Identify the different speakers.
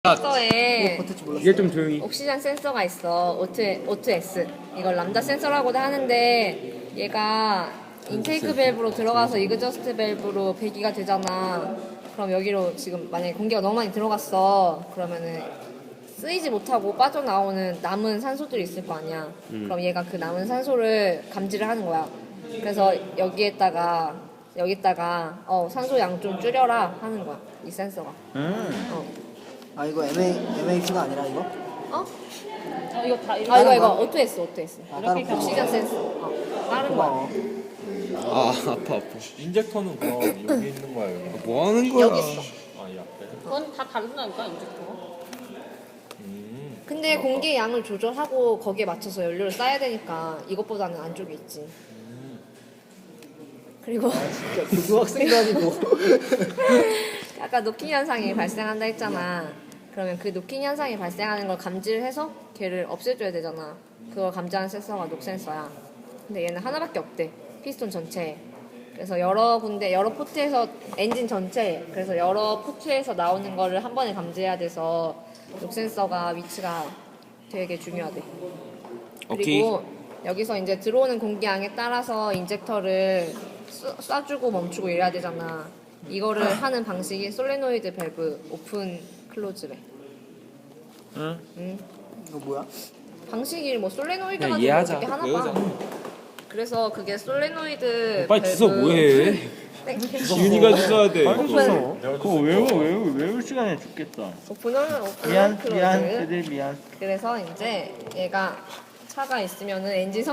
Speaker 1: 센서에
Speaker 2: 이제 좀 조용히.
Speaker 1: 옥시전 센서가 있어. O2S. 이걸 람다 센서라고도 하는데 얘가 인테이크 밸브로 들어가서 이그저스트 밸브로 배기가 되잖아. 그럼 여기로 지금 만약에 공기가 너무 많이 들어갔어. 그러면은 쓰이지 못하고 빠져나오는 남은 산소들이 있을 거 아니야. 그럼 얘가 그 남은 산소를 감지를 하는 거야. 그래서 여기다가 산소 양 좀 줄여라 하는 거야. 이 센서가.
Speaker 3: 아 이거 MAP가 아니라 이거?
Speaker 1: 어?
Speaker 4: 이거 다 이렇게
Speaker 1: 이거 O2S.
Speaker 3: 아 따로
Speaker 1: 옥시전 센서. 다른 거야.
Speaker 3: 고마워.
Speaker 2: 아 아파.
Speaker 5: 인젝터는 그럼 여기 있는 거야 여기?
Speaker 2: 뭐 하는 거야?
Speaker 1: 여기 있어.
Speaker 5: 아이 앞에?
Speaker 4: 그건 다 다른다니까 인젝터가.
Speaker 1: 근데 공기의 양을 조절하고 거기에 맞춰서 연료를 쌓아야 되니까 이것보다는 안쪽에 있지. 그리고
Speaker 3: 진짜 고등학생도 아니고.
Speaker 1: 아까 노킹 현상이 발생한다 했잖아. 그러면 그 노킹 현상이 발생하는 걸 감지를 해서 걔를 없애줘야 되잖아. 그걸 감지하는 센서가 녹 센서야. 근데 얘는 하나밖에 없대. 피스톤 전체에. 그래서 여러 포트에서 엔진 전체에, 그래서 여러 포트에서 나오는 거를 한 번에 감지해야 돼서 녹 센서가 위치가 되게 중요하대. 그리고 여기서 이제 들어오는 공기양에 따라서 인젝터를 쏴주고 멈추고 이래야 되잖아. 이거를 하는 방식이 솔레노이드 밸브 오픈 클로즈래. 응?
Speaker 3: 이거 뭐야?
Speaker 1: 방식이 뭐 솔레노이드
Speaker 2: 그냥
Speaker 1: 가지고
Speaker 2: 이해하자.
Speaker 1: 어떻게 하나 봐. 그래서 그게 솔레노이드
Speaker 2: 빨리 주소 뭐해? 지윤이가 주소야 돼.
Speaker 1: 오픈
Speaker 6: 그거 외울 시간에 죽겠다.
Speaker 1: 오픈은 오픈
Speaker 6: 미안,
Speaker 1: 클로즈.
Speaker 6: 애들 미안.
Speaker 1: 그래서 이제 얘가 차가 있으면은 엔진